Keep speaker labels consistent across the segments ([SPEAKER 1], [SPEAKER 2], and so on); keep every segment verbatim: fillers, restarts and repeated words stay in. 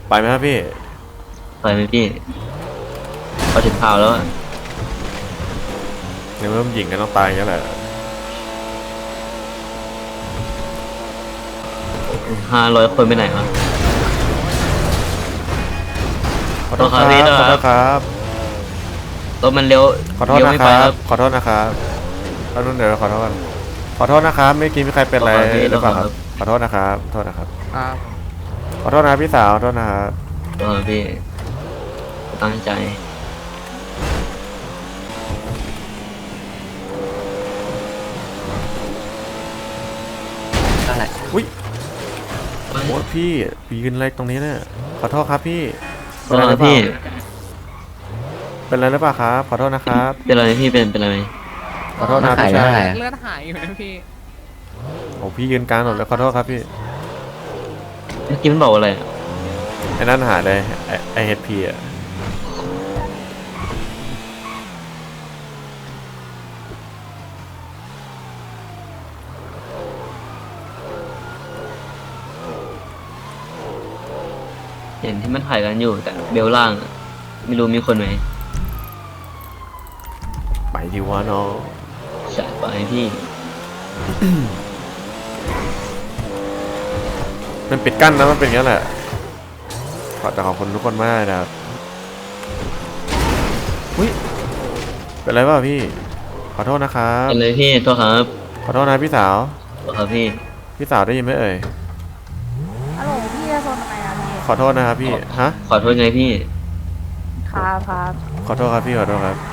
[SPEAKER 1] ไปไหมครับพี่
[SPEAKER 2] ไปไหมพี่พอถึงข่าวแล้ว
[SPEAKER 1] ในเมื่อมันหญิงกันต้องตายอย่างนี้แหละ
[SPEAKER 2] ห้าร้อยคนไปไหนวะ
[SPEAKER 1] ขอโทษครับขอโทษครับ
[SPEAKER 2] รถมันเลี้ยว
[SPEAKER 1] ขอโทษนะครับขอโทษนะครับแล้วนู่นเดี๋ยวขอโทษขอโทษนะครับไม่กินไม่ใครเป็นอะไรหรือเปล่าครับขอโทษนะครับขอโทษนะครับขอโทษนะพี่สาวขอโทษนะครับ
[SPEAKER 2] เออพี่ตั้งใจ
[SPEAKER 1] อะไรอุ้ยโอ้พี่ยืนอะไรตรงนี้เนี่ยขอโทษครับพี่
[SPEAKER 2] เป็นอะไรพี่
[SPEAKER 1] เป็นอะไรหรือเปล่าครับขอโทษนะครับ
[SPEAKER 2] เป็นอะไรพี่เป็นเป็นอะไร
[SPEAKER 1] ขอโทษนะพี่ชาย
[SPEAKER 3] เลือดหายอยู่นะพี่
[SPEAKER 1] โอ้พี่ยืนกลางหมดแล้วขอโทษครับพี่
[SPEAKER 2] เมื่อกี้มันบอกอะไร
[SPEAKER 1] ไอ้นั่นหาเลยไอเฮดพีอะ
[SPEAKER 2] เห็นที่มันถ่ายกันอยู่แต่เบลล่างไม่รู้มีคนไหม
[SPEAKER 1] ไปดีวะน้อง
[SPEAKER 2] จัดไปพี่
[SPEAKER 1] มันปิดกั้นนะมันเป็นอย่างนั้นแหละขอแต่ขอบคุณทุกคนมากนะครับอุ้ยเป็นไรบ้างพี่ขอโทษนะครับ
[SPEAKER 2] เป็นเลยพี่โทษครับ
[SPEAKER 1] ขอโทษนะพี่สาว
[SPEAKER 2] โทษครับพี่
[SPEAKER 1] พี่สาวได้ยินไหมเอ่ย
[SPEAKER 4] ฮัลโหลพี่จะโซนทำไมอ่ะพี่
[SPEAKER 1] ขอโทษนะครับพี่ฮะ
[SPEAKER 2] ขอโทษไงพี่
[SPEAKER 4] ครับครับ
[SPEAKER 1] ขอโทษครับพี่ขอโทษครับ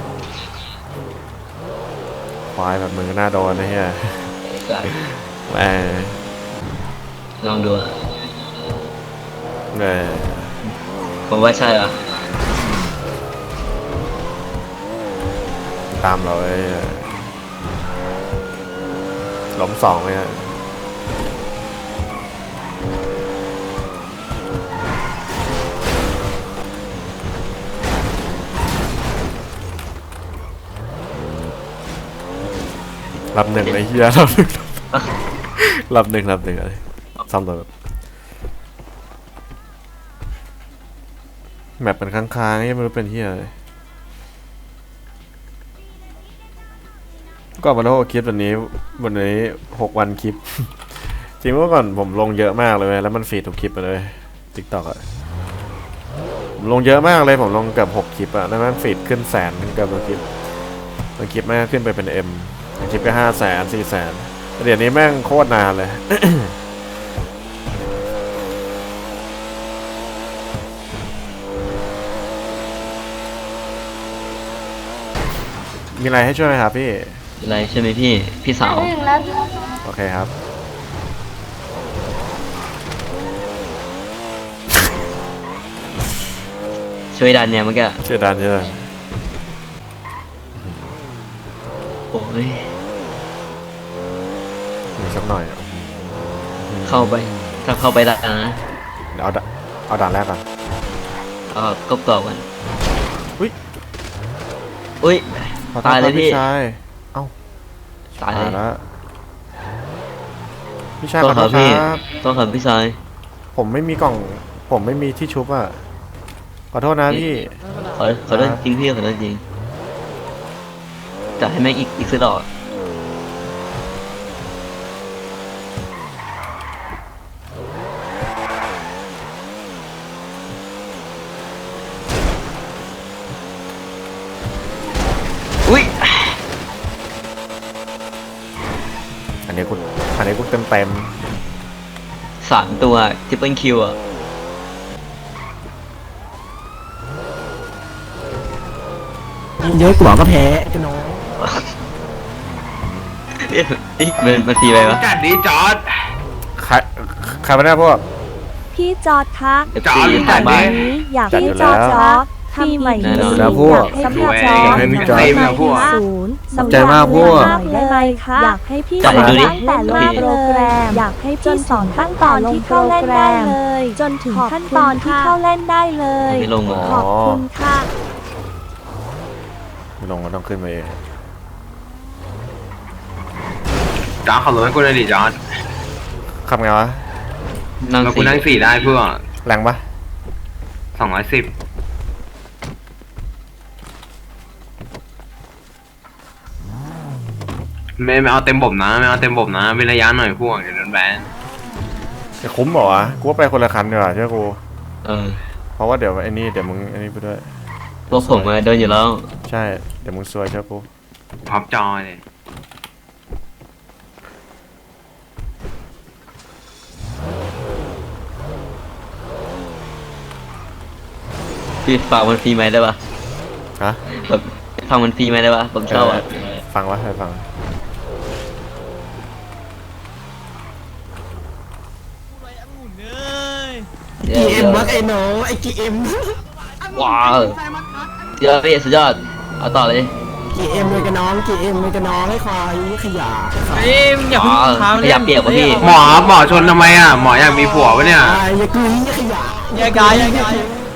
[SPEAKER 1] ควายแบบมือหน้าโดนนะเฮียแหม
[SPEAKER 2] ลองดูอ่ะ
[SPEAKER 1] แหม
[SPEAKER 2] ผมว่าใช่อ่ะ
[SPEAKER 1] ตามเราไอ้ล้มสองเลยฮะรับหนึ่งไอ้เหี้ยรับหนึ่งรับหนึ่งรับหนึ่งอะไรซ้ำตัวแบบแมปเป็นค้างๆนี่ไม่รู้เป็นเหี้ยอะไรก็มาโลคลิปวันนี้วันนี้หกวันคลิปจริงเมื่อก่อนผมลงเยอะมากเลยแล้วมันฟีดทุกคลิปไปเลยติ๊กต็อกอะผมลงเยอะมากเลยผมลงเกือบหกคลิปอะแล้วมันฟีดขึ้นแสนเกือบทุกคลิปบางคลิปแม่งขึ้นไปเป็นเอ็มคลิปก็ห้าแสนสี่แสนเดี๋ยวนี้แม่งโคตรนานเลย มีอะไรให้ช่วยไหมครับพี่
[SPEAKER 2] อะไรใช่ไหมพี่พี่สาว
[SPEAKER 1] โอเคครับ
[SPEAKER 2] ช่วยดันเนี่ยเมื่อกี้
[SPEAKER 1] ช่วยดันช่วยดัน
[SPEAKER 2] โอ้ย
[SPEAKER 1] มีสักหน่อย
[SPEAKER 2] เข้าไปถ้าเข้าไปได้นะ
[SPEAKER 1] เดี๋ยวเอาเอาด่านแรกก่อน
[SPEAKER 2] เอาก็กรอบกัน
[SPEAKER 1] อุ้ย
[SPEAKER 2] อุ้ยตายเลยพี่
[SPEAKER 1] ชายเอ้า
[SPEAKER 2] ตายแล้ว
[SPEAKER 1] พี่ชายขอโทษครับ
[SPEAKER 2] ต้องขับพี่ชาย
[SPEAKER 1] ผมไม่มีกล่องผมไม่มีที่ชุบอ่ะขอโทษนะพี่
[SPEAKER 2] ขอขอโทษจริงพี่ขอโทษจริงแต่ให้แม่งอีกอีกสักดอกอุ้ย
[SPEAKER 1] อันนี้กูอันนี้กูเต็มเต็ม
[SPEAKER 2] สามตัวทริปเปิลคิวอ่ะ
[SPEAKER 3] เยอะกว่าก็แพ้กันน้อง
[SPEAKER 2] นี่มันมันตีไปวะ
[SPEAKER 3] จัดดีจอด
[SPEAKER 1] ใครใครมาได้พวก
[SPEAKER 4] พี่จอดคะ
[SPEAKER 2] จอดจัด
[SPEAKER 4] นี้อยากพี่จอดจอดทำใหม่
[SPEAKER 1] แล้วพวก
[SPEAKER 4] สำหรับจอด
[SPEAKER 1] ให้พี่จอด
[SPEAKER 4] ศูนย์
[SPEAKER 1] สนใจมากพวก
[SPEAKER 4] ได้ไหมคะอยากให้พี่สอนตั้งแต่เริ่มโปรแกรมอยากให้พี่สอนขั้นตอนที่เข้าเล่นได้เลยจนถึงขั้นตอนที่เข้าเล่นได้เลยขอบคุณค่ะ
[SPEAKER 1] ไม่ลงก็ต้องขึ้นมาเอง
[SPEAKER 3] จอดขับรถให้กูเลยดิจอด
[SPEAKER 1] ขับไงวะ
[SPEAKER 2] นั่ง
[SPEAKER 3] กูนั่งสี่ได้เพื่อ
[SPEAKER 1] แรงปะ
[SPEAKER 5] สองร้อยสิบไม่ไม่เอาเต็มบบนะไม่เอาเต็มบบนะเว้นระยะหน่อยพวกเดี๋ยวโดนแบน
[SPEAKER 1] จะคุ้มเหรอวะกูว่าไปคนละคันดีกว่าเชื่อกู
[SPEAKER 2] เออ
[SPEAKER 1] เพราะว่าเดี๋ยวไอ้นี่เดี๋ยวมึงไอ้นี่ไปด้วย
[SPEAKER 2] พวกผมมาโดนอยู่แล้ว
[SPEAKER 1] ใช่ เดี๋ยวมึงซวยเชื่อกู
[SPEAKER 5] พับจอเลย
[SPEAKER 2] พี่ฝากมันฟรีไหมได้ปะ
[SPEAKER 1] ฮะ
[SPEAKER 2] แบบฟังมันฟรีไหมได้ปะผมชอบอ่ะ
[SPEAKER 1] ฟังวะให้ฟัง
[SPEAKER 2] เดี๋ยว
[SPEAKER 3] กีเอ็
[SPEAKER 2] เดี๋
[SPEAKER 3] ม
[SPEAKER 2] ยว
[SPEAKER 3] วะไอ้น้องไอ้กีเอ็ม
[SPEAKER 2] ว้าวสุดยอดพี่สุดยอดเอาต่อเลย
[SPEAKER 3] กีเอ็มเลยกับน้องกีเอ็มเลยกับน้องให้คอยขยะ
[SPEAKER 6] เอ้ยอย่าเพิ่ง
[SPEAKER 2] อ๋อ
[SPEAKER 6] ค้า
[SPEAKER 2] ขยับเปียกวะพี่
[SPEAKER 5] หมอหมอชนทำไมอ่ะหมออยากมีผัวปะเนี่ย
[SPEAKER 3] ไอ้ยากุยขยะ
[SPEAKER 6] แยกย้ายแยกย้าย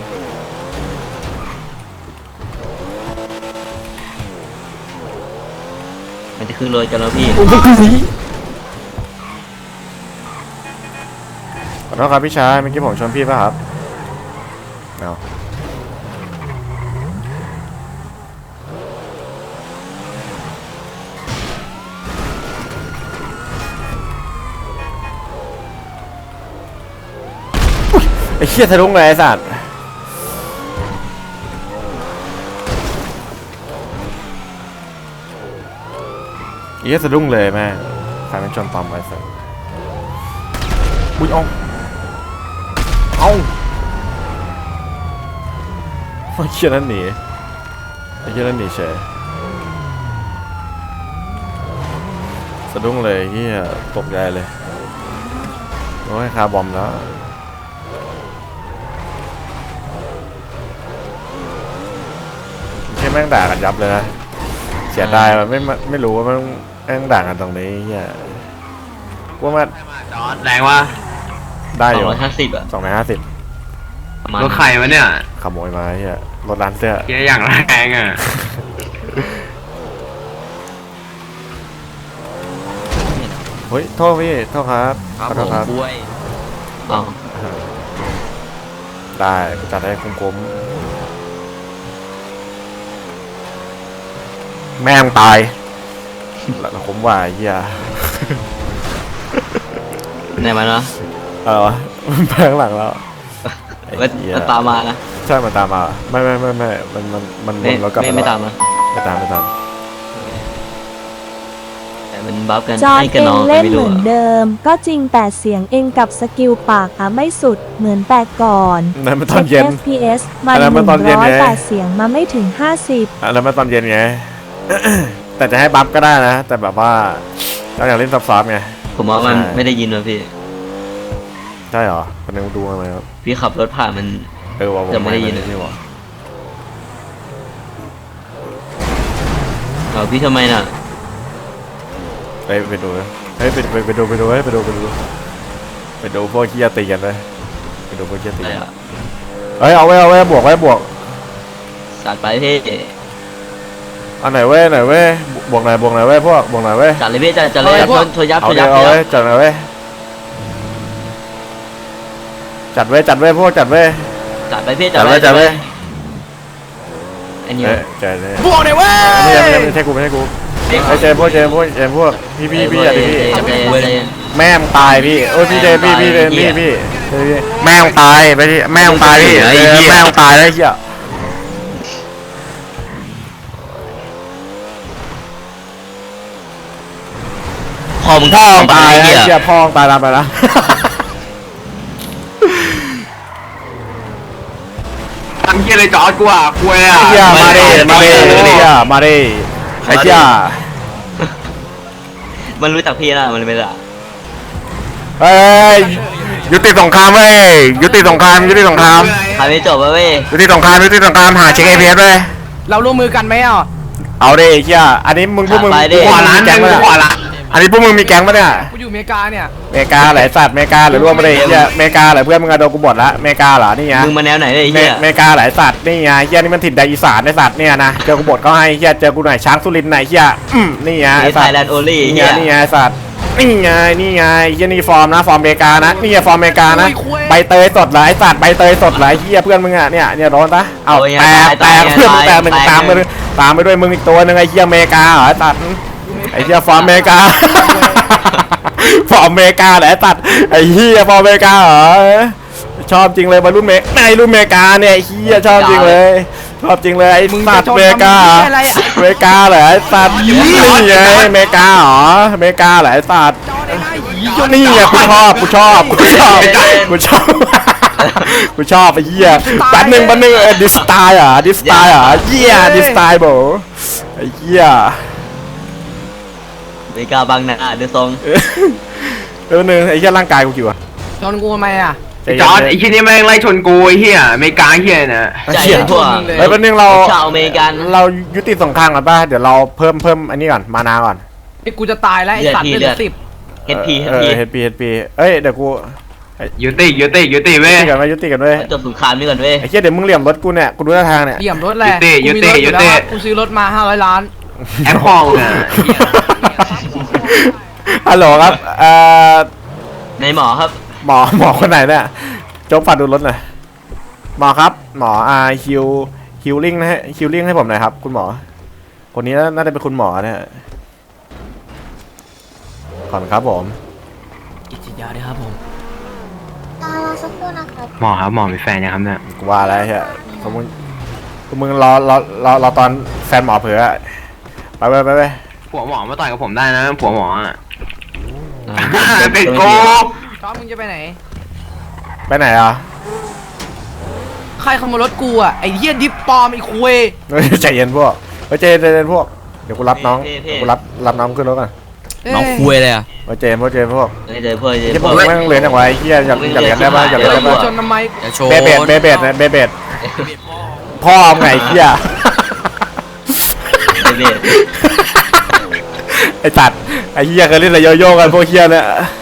[SPEAKER 2] มันจะขึ้นรถกันแล้วพี่
[SPEAKER 3] โอ้ยากุย
[SPEAKER 1] ขอโทษครับพี่ชายเมื่อกี้ผมชวนพี่ป่ะครับเอาไอ้เหี้ยทะลุงเลยไอ้สัตว์ไอ้เหี้ยสะดุ้งเลยแม่งใครเป็นชนปอมไว้สัตว์อุ้ยเอาเอาไอ้เหี้ยนั่นหนีไอ้เหี้ยนั่นหนีเฉยสะดุ้งเลยเหี้ยตกใจเลยโอ้ยคาบอมแล้วแค่แม่งด่ากันยับเลยนะเสียดายมันไม่ไม่รู้ว่ามันแม่งด่ากันตรงนี้เหี้ยว่ามัน
[SPEAKER 5] จอดแรงวะ
[SPEAKER 1] ได้
[SPEAKER 2] ส
[SPEAKER 1] อ
[SPEAKER 2] อง
[SPEAKER 1] ยู่
[SPEAKER 2] ร้อยห้าสิบอ่ะ
[SPEAKER 1] สองร้อยห้าสิบ
[SPEAKER 2] ประมาณ
[SPEAKER 5] รถใครวะเนี่ย
[SPEAKER 1] ขโมยมาเฮียรถร้านเสื้อ
[SPEAKER 5] เฮียอย่างแรงอ่ะ
[SPEAKER 1] เฮ้ยโทษพี่โทษครับขอโทษครับ
[SPEAKER 2] บ้วยอ๋อ
[SPEAKER 1] ได้กูจัดให้คุ้มๆแม่งตายแล้วผมว่าเฮีย
[SPEAKER 2] ไหนมาเนาะ
[SPEAKER 1] เออวะมันแพงหลังแล้วไอ้
[SPEAKER 2] มัน
[SPEAKER 1] เหี้ย
[SPEAKER 2] มันตามมานะ
[SPEAKER 1] ใช่มันตามมาไม่ไม่ไม่ไม่มันมันมันว
[SPEAKER 2] ไม่
[SPEAKER 1] นแล้วกลับ
[SPEAKER 2] ไม่
[SPEAKER 1] มา
[SPEAKER 2] ไม่
[SPEAKER 1] แล้ว
[SPEAKER 2] ตามมา
[SPEAKER 1] ไม่ตามไม่ตาม
[SPEAKER 2] แต่มันบัฟกัน
[SPEAKER 4] จอร์
[SPEAKER 2] ให้
[SPEAKER 4] ด
[SPEAKER 2] กัน
[SPEAKER 4] เอง
[SPEAKER 2] น้อง
[SPEAKER 4] เล่น
[SPEAKER 2] ไม่
[SPEAKER 4] เห
[SPEAKER 2] รู้
[SPEAKER 4] มือน
[SPEAKER 2] อะ
[SPEAKER 4] เดิม ก็จริงแต่เสียงเองกับสกิลปากอะไม่สุดเหมือนแต่ก่อน
[SPEAKER 1] นั่นมันตอนเย็น
[SPEAKER 4] เอฟ พี เอส มัน
[SPEAKER 1] อันนั้น
[SPEAKER 4] ห
[SPEAKER 1] มัน
[SPEAKER 4] นึ่ง
[SPEAKER 1] ตอนเย็น
[SPEAKER 4] ร้อย
[SPEAKER 1] ไง
[SPEAKER 4] แต่เสียงมาไม่ถึงห้าสิบ
[SPEAKER 1] อ่ะแล้วมาตอนเย็นไง แต่จะให้บัฟก็ได้นะ แต่แบบว่าเราอยากเล่นซับซ้อนไง
[SPEAKER 2] ผมว่ามัน
[SPEAKER 1] ใช่
[SPEAKER 2] ไม่ได้ยินว่ะพี่
[SPEAKER 1] ใช่เหรอคนนึงดูมาไหมครับ
[SPEAKER 2] พี่ขับรถผ่านมัน
[SPEAKER 1] เออว่าผม
[SPEAKER 2] จะไม่ได้ยิน
[SPEAKER 1] นี่หว่า
[SPEAKER 2] เอาพี่ทำไมน่ะ
[SPEAKER 1] ไปไปดูนะเฮ้ยไปไปไปดูไปดูเฮ้ยไปดูไปดูไปดูพวกขี้ยาตีกันเลยไปดูพวกขี้ยาตี
[SPEAKER 2] อะไร
[SPEAKER 1] กัน
[SPEAKER 2] อ่ะ
[SPEAKER 1] เฮ้ยเอาไว้เอาไว้บวกไว้บวก
[SPEAKER 2] จัดไปพี่
[SPEAKER 1] อันไหนเว้ยไหนเว้ยบวกไหนบวกไหนเว้ยพวกบวกไหนเว้ย
[SPEAKER 2] จัดเลยพี่จัดจัดเลยชนชนยับ
[SPEAKER 1] เอา
[SPEAKER 2] ชน
[SPEAKER 1] เดี๋
[SPEAKER 2] ยั
[SPEAKER 1] ย
[SPEAKER 2] บ
[SPEAKER 1] วเอา
[SPEAKER 2] ชนยั
[SPEAKER 1] เว้ย
[SPEAKER 2] บ
[SPEAKER 1] จัดไหนเว้ยจัดเว้ยจัดเว้ยพวกจัดเว้ย
[SPEAKER 2] จัดไปพี่จั
[SPEAKER 1] จั
[SPEAKER 2] ด
[SPEAKER 1] ด
[SPEAKER 2] ไป
[SPEAKER 1] เว้ยจัดเว้ย
[SPEAKER 2] ไอ้นี่
[SPEAKER 1] เอ้ยจัดเลย
[SPEAKER 6] บวกเลยเว้ย
[SPEAKER 1] ไม่ใช่ไม่ใช่ไม่ใช่กูไม่ใช่กูไอ้เจมพวกเจมพวกเจมพวกพี่พี่พี่อย่าดิพี่
[SPEAKER 2] จัดเลยจัดเลย
[SPEAKER 1] แม่งตายพี่โอ้ยพี่เจพี่พี่เจพี่พี่พี่แม่งตายไปที่แม่งตายพี่เออแม่งตายแล้วเหี้ยพ่อมึงพ่อมึงตายแล้วเหี้ยพ่อมึงตายตามไปแล้ว
[SPEAKER 5] ทำเฮียอะไรจอดกูอ่ะคุยอ่ะ
[SPEAKER 1] เหี้ยมาดิมาดิเหี้ยมาดิไอ้เหี้ย
[SPEAKER 2] มันรู้จักพี่นะมันไม่ได้
[SPEAKER 1] เฮ้ยยุติสงครามเว้ยยุติสงครามยุติสงคราม
[SPEAKER 2] ถ่ายไม่จบเว้ย
[SPEAKER 1] ยุติสงครามยุติสงครามหาเช็คไอพีเอสเลย
[SPEAKER 6] เราร่วมมือกันไหมอ่ะ
[SPEAKER 1] เอาดิเหี้ยอันนี้มึงพวกมึง
[SPEAKER 5] ขวาร้าน
[SPEAKER 1] แก๊ง
[SPEAKER 5] มึ
[SPEAKER 1] ปะ
[SPEAKER 5] งขวา
[SPEAKER 1] เนี่ย
[SPEAKER 5] ร้าน
[SPEAKER 1] อันนี้พวกมึงมีแก๊งปะเนี่ย
[SPEAKER 6] กูอยู่อเมริกาเนี่ย
[SPEAKER 1] เมกาเหรอไอ้สัตว์เมกาหรือร่วมมาเลยเหี้ยเมกาเหรอเพื่อนมึงอะโดนกูบดละเมกาเหรอนี่ไง
[SPEAKER 2] มึงมาแนวไหนเลยไอ้
[SPEAKER 1] เม
[SPEAKER 2] เหี้ย
[SPEAKER 1] เมกาเหรอไอ้สัตว์นี่ไงเหี้ยนี่มันถิ่นแดนอีสานไอ้สัตว์เนี่ยนะเจอกูบดก็ให้เหี้ยเจอกูหน่อยช้างสุรินทร์หน่อยเหี้ยอืมนี่ไง
[SPEAKER 2] ไอ้
[SPEAKER 1] ไอ้
[SPEAKER 2] ไท
[SPEAKER 1] สัต
[SPEAKER 2] ย
[SPEAKER 1] ว์
[SPEAKER 2] แลนด์โอลี่
[SPEAKER 1] นี่ไง
[SPEAKER 2] เหี้ย
[SPEAKER 1] นี่ไงไอ้สัตว์นี่ไงนี่ไงเฮียนี่ฟอร์มนะฟอร์มอเมริกานะนี่ฟอร์มอเมริกานะใบเตยสดหลายสัตว์ใบเตยสดหลายเฮียเพื่อนมึงอ่ะเนี่ยเนี่ยโดนปะเอาแตกแตกเพื่อนมึงแตกหนึ่งตามไปเลยตามไปด้วยมึงอีกตัวหนึ่งไอ้เฮียอเมริกาเหรอสัตว์ไอ้เฮียฟอร์มอเมริกาฟอร์มอเมริกาเหรอสัตว์ไอ้เฮียฟอร์มอเมริกาเหรอชอบจริงเลยบอลลูนเมกในรุ่นอเมริกาเนี่ยไอ้เฮียชอบจริงเลยชอบจริงเลยไอ้สัตว์อเมริกาอเมริกาเหรอไอ้สัตว์นี่ไงอเมริกาเหรออเมริกาเหรอไอ้สัตว์นี่ไงกูชอบกูชอบกูชอบกูชอบกูชอบไอ้เหี้ยแป๊บนึงแป๊บนึงดิสไตล์อ่ะดิสไตล์อ่ะเหี้ยดิสไตล์โบไอ้เหี้ย
[SPEAKER 2] อเมริกาบางนาเดือดทรง
[SPEAKER 1] แป๊บนึงไอ้เหี้ยร่างกายกูกี่วะ
[SPEAKER 6] ชนกูทำไมอ่ะ
[SPEAKER 5] จอร์ดไอ้ที่นี่แม่งไล่ชนกูไอ้เหี้ยอเมริกาเหี้ยนะ
[SPEAKER 2] ใจ
[SPEAKER 1] เหี้ย
[SPEAKER 2] ทั่ว
[SPEAKER 1] เฮ้ยแป๊บนึงเรา
[SPEAKER 2] ชาวอเมริกัน
[SPEAKER 1] เรายุติสงครามกันป่ะเดี๋ยวเราเพิ่มเพิ่มอันนี้ก่อนมานาก่อน
[SPEAKER 6] ไอ้กูจะตายแล้วไอ้สัตว์
[SPEAKER 2] เลื
[SPEAKER 6] เลื
[SPEAKER 2] อ
[SPEAKER 6] อ
[SPEAKER 2] ด
[SPEAKER 6] ดสิบ
[SPEAKER 2] เฮดพีเฮ
[SPEAKER 1] เอ
[SPEAKER 2] ดพี
[SPEAKER 1] อเฮดพีเฮดพีเอ้ยเดี๋ยวกู
[SPEAKER 5] ยุติยุติยุติเว้
[SPEAKER 1] ยุ
[SPEAKER 5] ย
[SPEAKER 1] ติกันไว้ยุติกันไว้
[SPEAKER 2] จบสงครามนี่ก่อนเว้ย
[SPEAKER 1] ไอ้เหี้ยเดี๋ยวมึงเหลี่ยมรถกูเนี่ยกูดูท่าทางเนี่ย
[SPEAKER 6] เหลี่ยมรถแหละ
[SPEAKER 5] ยุติยุติ
[SPEAKER 6] กูมีรถอ
[SPEAKER 5] ยุติ
[SPEAKER 6] แล้วกูซื้อรถมาห้าร้อยล้าน
[SPEAKER 5] แอปพองอ่ะ
[SPEAKER 1] ฮัลโหลครับเอ่อ
[SPEAKER 2] ในหมอครับ
[SPEAKER 1] หมอหมอคนไหนเนี่ยโจ๊กฝากดูรถหน่อยหมอครับหมออาฮิวฮิวลิ่งนะฮะฮิวลิ่งให้ผมหน่อยครับคุณหมอคนนี้น่าจะเป็นคุณหมอเนี่ยขอบคุณครับผม
[SPEAKER 6] กิจยาด้วยครับผม
[SPEAKER 4] รอสักครู่นะครับ
[SPEAKER 5] หมอครับหมอมีแฟนยังครับเนี่ย
[SPEAKER 1] กูว่าแล้วใช่พวกมึงพวกมึงรอรอรอรอตอนแฟนหมอเผลอไปไปไปไป
[SPEAKER 5] ผัวหมอมาต่อยกับผมได้นะผัวหมออ่ะ
[SPEAKER 2] อ่า
[SPEAKER 5] เป็นโก
[SPEAKER 6] จอร์ดมึงจะไปไหน
[SPEAKER 1] ไปไหนอ่ะ
[SPEAKER 6] ใครขโมยรถกูอ่ะไอ้เหี้ยดิปปลอมไอ้คุย
[SPEAKER 1] เฮ้ยใจเย็นพวกเฮ้ยใจเย็นใจเย็นพวกเดี๋ยวกูรับน้องเดี๋ยวกูรับรับน้องขึ้นรถก่อน
[SPEAKER 3] น้องคุยเลยอ่ะ
[SPEAKER 1] เฮ้ยใจเย็นพวกใจเย็นพวก
[SPEAKER 2] เฮ้ยเจอเพื่อนเจอ
[SPEAKER 1] ที่พว
[SPEAKER 2] เพื่
[SPEAKER 1] ก
[SPEAKER 2] อน
[SPEAKER 1] แม่งเรียนอย่างไรเฮียอยากอยากเรียนได้ป่ะอยากเรียนได้
[SPEAKER 6] กู
[SPEAKER 1] ป่ะ
[SPEAKER 6] ชนทำไม
[SPEAKER 3] อย่าโชว์
[SPEAKER 1] เบเบดเบเบดนะเบเบดพ่อมึงไงเฮีย
[SPEAKER 2] เบส
[SPEAKER 1] ไอ้สัตว์ไอ้เฮียเคยเล่นอะไรโยโย่กันพวกเฮียเนี่ย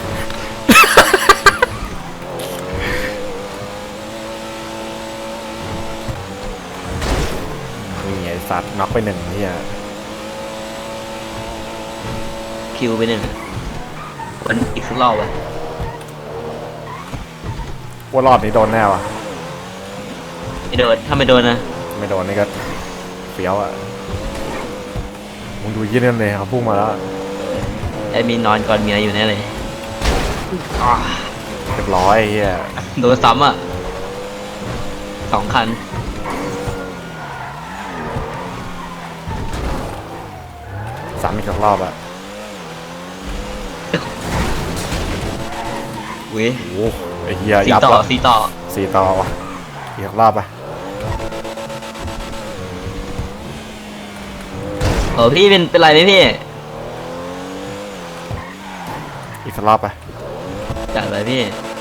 [SPEAKER 1] นี่ไอ้สัตว์น็อกไปหนึ่งเฮีย
[SPEAKER 2] คิวไปหนึ่งวันอีกสักรอบวะ
[SPEAKER 1] ว่ารอบนี้โดนแน่วะ
[SPEAKER 2] ไม่โดนถ้าไม่โดนนะ
[SPEAKER 1] ไม่โดนนี่ก็เฟี้ยวอ่ะมึงดูยี่นั่นเลยเขาพุ่งมาแล้ว
[SPEAKER 2] ไอ้มีนอนก่อนเมียอยู่แน่เลยอ่า
[SPEAKER 1] เรียบร้อยไอ้เฮีย
[SPEAKER 2] โดนซ้ำอ่ะสองคัน
[SPEAKER 1] สามอีกสองรอบอ่ะ
[SPEAKER 2] เว้ย
[SPEAKER 1] โอ้โหไอ้เฮีย
[SPEAKER 2] สี
[SPEAKER 1] ยับ
[SPEAKER 2] ต่อ
[SPEAKER 1] ว่ะ
[SPEAKER 2] สีต่อ
[SPEAKER 1] สี่ต่อว่ะอีกสองรอบอ่ะ
[SPEAKER 2] เออพี่เป็นเป็นไรไหมพี่
[SPEAKER 1] อีกสักรอบอ่ะ
[SPEAKER 2] จัดไปพี่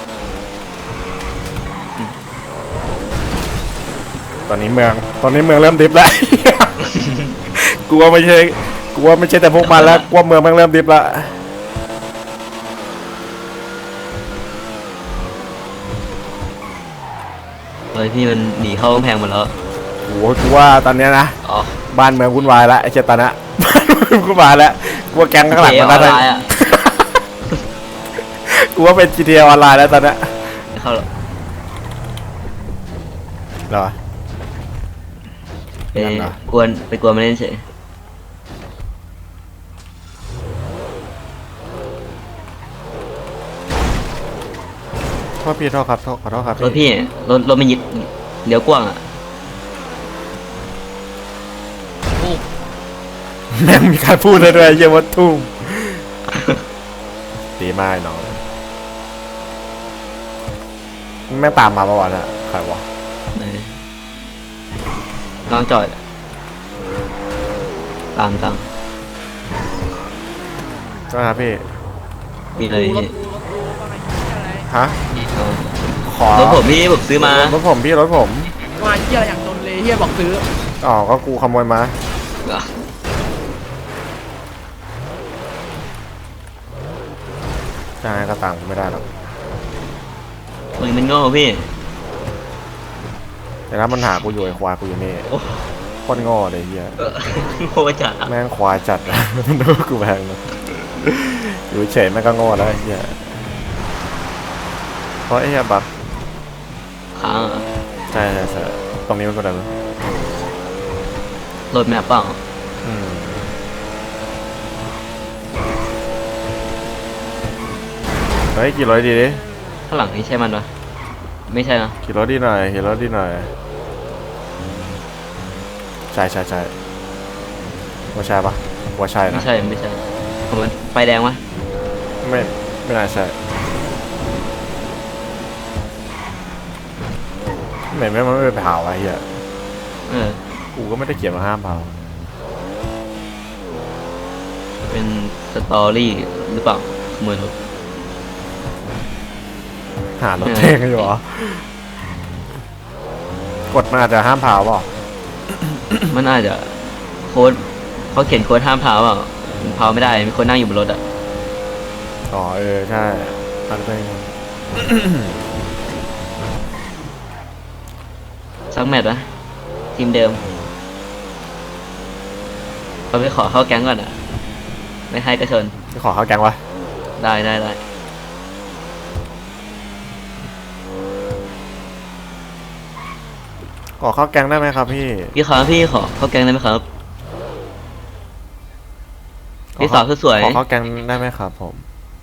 [SPEAKER 1] ตอนนี้เมือง ตอนนี้เมืองเริ่มดิฟแล้ว กลัวไม่ใช่กลัวไม่ใช่แต่พวกมันแล้วกลัวเมืองมันเริ่มดิฟแล้ว
[SPEAKER 2] เฮ้ยพี่มันหนีเข้ากำแพงหมดแล้ว
[SPEAKER 1] โอ้โหกูว่าตอนเนี้ยนะ
[SPEAKER 2] อ๋อ
[SPEAKER 1] บ้านเมืองวุ่นวายแล้วไอ้เจตานะ บ้านเมืองวุ่นวายแล้วกลัวแก๊งข้างหลังมัน
[SPEAKER 2] อ
[SPEAKER 1] น่า
[SPEAKER 2] อน
[SPEAKER 1] จะ
[SPEAKER 2] ไลน์อ่ะ
[SPEAKER 1] กูว่าเป็น จี ที เอ ออนไลน์แล้วตอนเนี้ย
[SPEAKER 2] ไม่เข้าหรอก
[SPEAKER 1] เหรอ
[SPEAKER 2] ไป
[SPEAKER 1] นั่นเหรอ
[SPEAKER 2] กวนไปกวนมาเล่นเฉย
[SPEAKER 1] โทษพี่โทษครับโทษขอโทษครับ
[SPEAKER 2] รถพี่รถรถมันยิดเลี้ยวกว้างอ่ะ
[SPEAKER 1] แม่งมีการพูดเลยด้วยเยี่ยมวัดทุ่งดีมากไอ้น้องแม่งตามมาประวัติอะใครวะ
[SPEAKER 2] เออน้องจอดตามตาม
[SPEAKER 1] ก็ครับพี่
[SPEAKER 2] มีเลยพี่
[SPEAKER 1] ฮะ
[SPEAKER 2] เอา
[SPEAKER 1] ขอ
[SPEAKER 2] รถผมพี่ผมซื้อมาร
[SPEAKER 1] ถผมพี่รถผม
[SPEAKER 6] มาเหี้ยอย่างจนเลยเหี้ยบอกซื้อ
[SPEAKER 1] อ๋อก็กูขโมยมา
[SPEAKER 2] อ่ะ
[SPEAKER 1] ใช่ก็ตามกูไม่ได้หรอก
[SPEAKER 2] มึงมันโง่พี่
[SPEAKER 1] แต่ถ้ามันหากูอยู่ไอ้ควายกูอยู่นี่
[SPEAKER 2] โอ้
[SPEAKER 1] โคตรโง่เลยเฮีย
[SPEAKER 2] เออโง่จัดอะ
[SPEAKER 1] แม่งควายจัด ดูกูแพงเลยอยู่เฉยแม่งก็โง่แล้วไอ้เหี้ยเพราะไอ้เหี้ยบัก
[SPEAKER 2] ค้างอะ
[SPEAKER 1] ใช่ใช่ใช่ตรงนี้มันก็ได้มั้ย
[SPEAKER 2] โหลดแมปเปล่า
[SPEAKER 1] อืมเฮ้ยกี่ร้อยดีดิ
[SPEAKER 2] ข้างหลังนี่ใช่มันปะไม่ใช่นะ
[SPEAKER 1] กี่ร้อยดีหน่อยกี่ร้อยดีหน่อยใช่ใช่ใช่ว่าใช่ปะว่าใช่
[SPEAKER 2] ไม่
[SPEAKER 1] นะ
[SPEAKER 2] ใช่ไม่ใช่ผมมันไฟแดงวะ
[SPEAKER 1] ไม่ไม่น่าใช่ไม่ไม่มันไม่ไปเผาไอ้เหี้ย
[SPEAKER 2] เออ
[SPEAKER 1] กูก็ไม่ได้เขียนมาห้ามเผา
[SPEAKER 2] เป็นสตอรี่หรือเปล่าขโมยรถ
[SPEAKER 1] หารถเพลงอยู่เหรอ กดมันอาจจะห้ามเผาเปล่า
[SPEAKER 2] มันอาจจะโค้ดเขาเขียนโค้ดห้ามเผาเปล่าเผาไม่ได้มีคนนั่งอยู่บนรถอ่ะ
[SPEAKER 1] อ๋อเออใช่อาจจะเป็น
[SPEAKER 2] สักแมตช์นะทีมเดิมเราไปขอเข้าแก๊งก่อนอ่ะไม่ให้กระชน
[SPEAKER 1] จะขอเข้าแก๊งวะ
[SPEAKER 2] ได้ได้ได้
[SPEAKER 1] ขอเข้าแก๊งได้ไหมครับพี่
[SPEAKER 2] พี่ครับพี่ขอเข้าแก๊งได้ไหมครับพี่สาวสวย
[SPEAKER 1] ขอเข้าแก๊งได้ไหมครับผม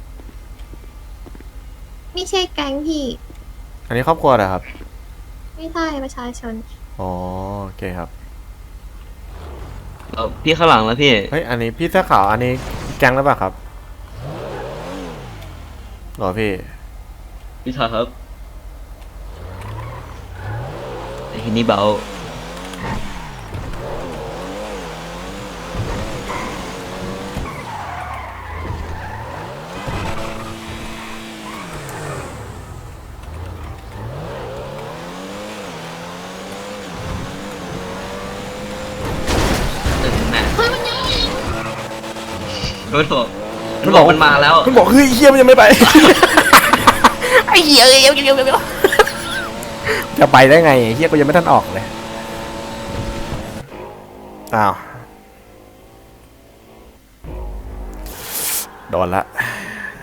[SPEAKER 7] ไม่ใช่แก๊งพี่
[SPEAKER 1] อันนี้ครอบครัวเหรอครับ
[SPEAKER 7] ไม่ใช่ประชาชน
[SPEAKER 1] อ๋อโอเคครับ
[SPEAKER 2] ๆเอาพี่ข้างหลังแล้วพี่
[SPEAKER 1] เฮ้ยอันนี้พี่เสื้อขาวอันนี้แก๊งหรือเปล่าครับหรอพี่
[SPEAKER 2] พี่ชายครับไอ้ทีนี้เบาตึงแม่รถบอกรถบอกมันมาแล้ว
[SPEAKER 1] มันบอกเฮ้ยเฮียมันยังไม่ไป
[SPEAKER 6] ไอ้เหี้ยเอ้ยเอ้ยเอ้ยเอ้ยเอ้ย
[SPEAKER 1] จะไปได้ไงเฮียกูยังไม่ทันออกเลยอ้าวโดนละ